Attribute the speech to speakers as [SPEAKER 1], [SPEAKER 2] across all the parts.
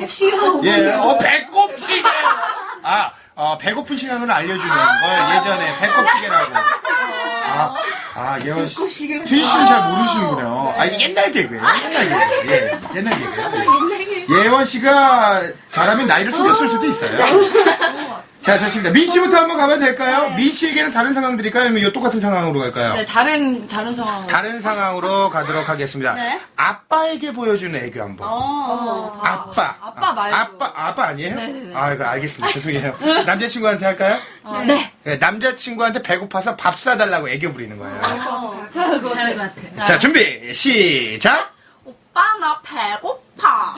[SPEAKER 1] 배꼽 시계가
[SPEAKER 2] 예, 배꼽 시계. 배고픈 시간을 알려주는 걸 예전에 배꼽 시계라고. 예원 씨.
[SPEAKER 1] 배꼽 시계.
[SPEAKER 2] 수지 씨는 잘 모르시는군요. 이게 옛날 개그예요. 옛날 개그. 예, 옛날 개그예요. 예원 씨가 잘하면 나이를 속였을 수도 있어요. 자, 좋습니다. 민 씨부터 한번 가면 될까요? 민 씨에게는 다른 상황 드릴까요? 아니면 이 똑같은 상황으로 갈까요?
[SPEAKER 3] 네, 다른 상황으로.
[SPEAKER 2] 다른 상황으로 가도록 하겠습니다.
[SPEAKER 1] 네.
[SPEAKER 2] 아빠에게 보여주는 애교 한번. 아빠.
[SPEAKER 3] 아빠 말고.
[SPEAKER 2] 아빠 아니에요?
[SPEAKER 3] 네네네.
[SPEAKER 2] 이거 알겠습니다. 죄송해요. 남자친구한테 할까요?
[SPEAKER 3] 네.
[SPEAKER 2] 네, 남자친구한테 배고파서 밥 사달라고 애교 부리는 거예요.
[SPEAKER 3] 잘할 것 같아.
[SPEAKER 2] 자, 준비, 시작!
[SPEAKER 3] 오빠, 나 배고파.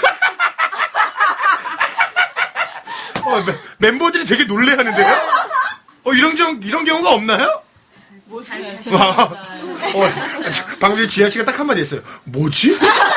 [SPEAKER 2] 멤버들이 되게 놀래하는데요? 이런 경우가 없나요? 방금 전에 지아 씨가 딱 한마디 했어요. 뭐지?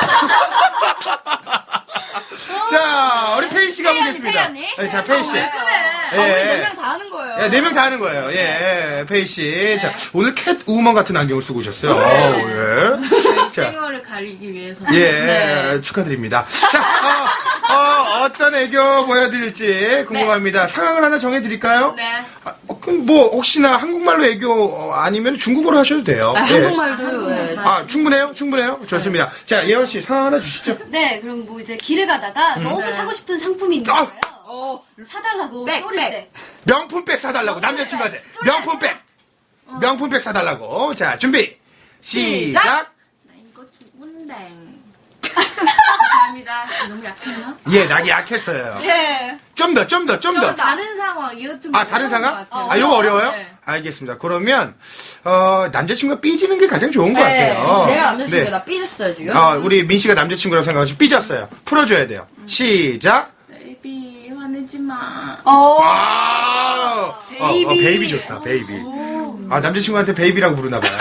[SPEAKER 2] 자, 우리 페이 씨가 보겠습니다.
[SPEAKER 3] 페이 언니?
[SPEAKER 2] 네, 자, 페이 씨.
[SPEAKER 3] 그래.
[SPEAKER 2] 예.
[SPEAKER 3] 우리 4명 다 하는 거예요.
[SPEAKER 2] 네 명 다 하는 거예요. 예, 페이 씨. 자, 오늘 캣 우먼 같은 안경을 쓰고 오셨어요. 예. 자,
[SPEAKER 1] 생얼을 가리기 위해서.
[SPEAKER 2] 예, 축하드립니다. 자, 어떤 애교 보여드릴지 궁금합니다. 상황을 하나 정해드릴까요?
[SPEAKER 1] 네.
[SPEAKER 2] 그럼 뭐 혹시나 한국말로 애교 아니면 중국어로 하셔도 돼요. 예.
[SPEAKER 3] 한국말도. 네.
[SPEAKER 2] 충분해요. 좋습니다. 자, 예원 씨 상황 하나 주시죠.
[SPEAKER 1] 네, 그럼 뭐 이제 길을 가다가 너무 사고 싶은 상품이 있는 거예요. 사달라고
[SPEAKER 3] 백,
[SPEAKER 1] 쪼릴
[SPEAKER 3] 백.
[SPEAKER 1] 때.
[SPEAKER 2] 명품백 사달라고 남자친구한테 명품백 사달라고. 자, 준비 시작.
[SPEAKER 1] 나 이거 죽은데. 감사합니다. 너무 약했나?
[SPEAKER 2] 예, 낙이 약했어요.
[SPEAKER 1] 예.
[SPEAKER 2] 좀 더.
[SPEAKER 1] 다른 상황, 이거 좀.
[SPEAKER 2] 다른 상황?
[SPEAKER 1] 어려운 것 같아요.
[SPEAKER 2] 이거 어려워요?
[SPEAKER 1] 네.
[SPEAKER 2] 알겠습니다. 그러면 남자친구가 삐지는 게 가장 좋은 것 같아요.
[SPEAKER 3] 내가 남자친구가
[SPEAKER 2] 네.
[SPEAKER 3] 나 삐졌어요, 지금.
[SPEAKER 2] 우리 민 씨가 남자친구라고 생각하시고 삐졌어요. 풀어줘야 돼요. 시작.
[SPEAKER 1] 베이비, 화내지 마.
[SPEAKER 3] 베이비.
[SPEAKER 2] 베이비 좋다, 베이비. 남자친구한테 베이비라고 부르나봐요.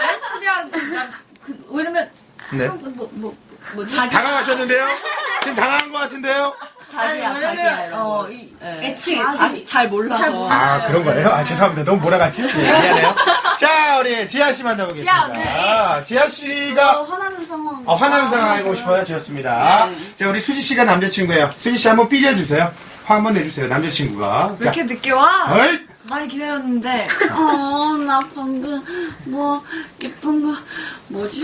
[SPEAKER 1] 왜냐면,
[SPEAKER 2] 네.
[SPEAKER 3] 뭐, 자기.
[SPEAKER 2] 당황하셨는데요? 지금 당황한 것 같은데요?
[SPEAKER 3] 자기야.
[SPEAKER 1] 애칭.
[SPEAKER 3] 잘 몰라서.
[SPEAKER 2] 그런 거예요? 죄송합니다. 너무 몰아갔지? 네, 미안해요. 자, 우리 지아 씨 만나보겠습니다. 지아 씨가
[SPEAKER 1] 화나는 상황.
[SPEAKER 2] 화나는 상황 알고 싶어요? 좋습니다. 자, 우리 수지 씨가 남자친구예요. 수지 씨 한번 삐져주세요. 화 한번 내주세요. 남자친구가.
[SPEAKER 3] 왜 이렇게 늦게 와?
[SPEAKER 2] 어이?
[SPEAKER 3] 많이 기다렸는데.
[SPEAKER 1] 나 방금, 예쁜 거, 뭐지?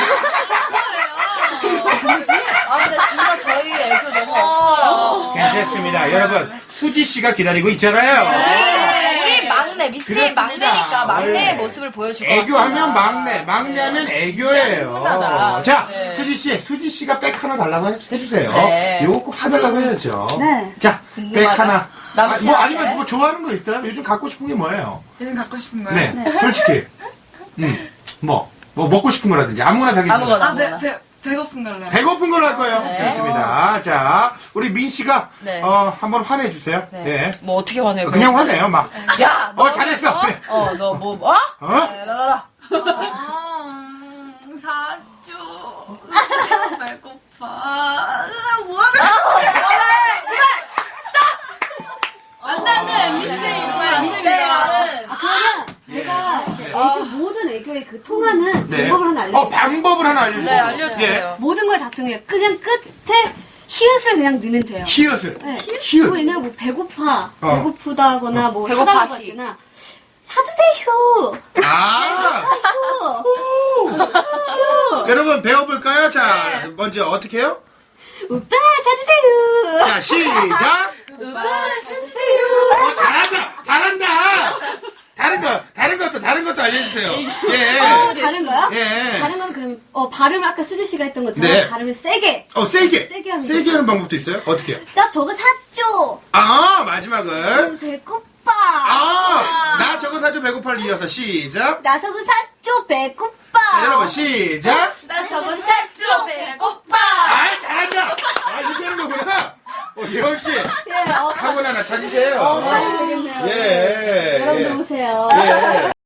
[SPEAKER 3] 근데 진짜 저희 애교 너무 없어요.
[SPEAKER 2] 괜찮습니다. 여러분, 수지 씨가 기다리고 있잖아요.
[SPEAKER 3] 우리 막내, 미스의
[SPEAKER 2] 그렇습니다.
[SPEAKER 3] 막내니까 막내의
[SPEAKER 2] 네.
[SPEAKER 3] 모습을 보여줄 것 같습니다.
[SPEAKER 2] 애교하면 막내하면 애교예요.
[SPEAKER 3] 훈훈하다.
[SPEAKER 2] 자,
[SPEAKER 3] 네.
[SPEAKER 2] 수지 씨가 백 하나 달라고 해주세요.
[SPEAKER 3] 네.
[SPEAKER 2] 이거 꼭 사달라고 해야죠.
[SPEAKER 1] 네.
[SPEAKER 2] 자, 백 하나.
[SPEAKER 3] 남친한테.
[SPEAKER 2] 아니면 뭐 좋아하는 거 있어요? 요즘 갖고 싶은 게 뭐예요?
[SPEAKER 3] 요즘 갖고 싶은 거요?
[SPEAKER 2] 네, 솔직히. 뭐 먹고 싶은 거라든지 아무거나 다 괜찮아요.
[SPEAKER 3] 아무거나. 배고픈 걸로.
[SPEAKER 2] 배고픈 걸로 할 거예요.
[SPEAKER 3] 네.
[SPEAKER 2] 좋습니다. 자, 우리 민 씨가
[SPEAKER 3] 네.
[SPEAKER 2] 한번 화내주세요. 네.
[SPEAKER 3] 뭐 어떻게 화내요?
[SPEAKER 2] 그냥 화내요, 막.
[SPEAKER 3] 야, 너
[SPEAKER 2] 잘했어. 그래.
[SPEAKER 3] 너 뭐? 나가라. 사줘. 배고파. 뭐하는 거야? 그래. 스톱. 안나는 미스는
[SPEAKER 1] 그러면 제가 애교, 모든 애교의 그 통하는
[SPEAKER 2] 네.
[SPEAKER 1] 방법을 하나 알려드릴게요.
[SPEAKER 2] 방법을 하나 알려주세요.
[SPEAKER 3] 네, 알려주세요.
[SPEAKER 1] 모든 걸 다 통해요. 그냥 끝에 히읗을 그냥 넣으면 돼요.
[SPEAKER 2] 히읗을.
[SPEAKER 1] 네.
[SPEAKER 2] 히읗.
[SPEAKER 1] 왜냐면 뭐 배고파,
[SPEAKER 2] 어.
[SPEAKER 1] 배고프다거나 뭐
[SPEAKER 3] 배고파기.
[SPEAKER 1] 사달라고 할 때나 사주세요.
[SPEAKER 2] 여러분, 배워볼까요? 자, 먼저 어떻게 해요?
[SPEAKER 1] 오빠 사주세요.
[SPEAKER 2] 자, 시작.
[SPEAKER 1] 오빠 사주세요.
[SPEAKER 2] 잘한다. 다른 것도 알려주세요. 예.
[SPEAKER 1] 다른 거요?
[SPEAKER 2] 예.
[SPEAKER 1] 다른 거는 그럼 발음을 아까 수지 씨가 했던 것처럼
[SPEAKER 2] 네.
[SPEAKER 1] 발음을 세게.
[SPEAKER 2] 세게
[SPEAKER 1] 하면
[SPEAKER 2] 하는 방법도 있어요? 어떻게 해요?
[SPEAKER 1] 나 저거 샀죠.
[SPEAKER 2] 마지막은.
[SPEAKER 1] 배고파.
[SPEAKER 2] 나 저거 사줘 배고파를 이어서 시작.
[SPEAKER 1] 나 저거 샀죠. 배고파.
[SPEAKER 2] 자, 여러분, 시작.
[SPEAKER 1] 나 저거 샀죠. 배고파.
[SPEAKER 2] 잘한다. 이렇게 하는 거구나. 예원 씨.
[SPEAKER 1] 예,
[SPEAKER 2] 학원 하나 찾으세요.
[SPEAKER 1] 잘하면 되겠네요.
[SPEAKER 2] 예.
[SPEAKER 1] 여러분들 오세요.
[SPEAKER 2] 예.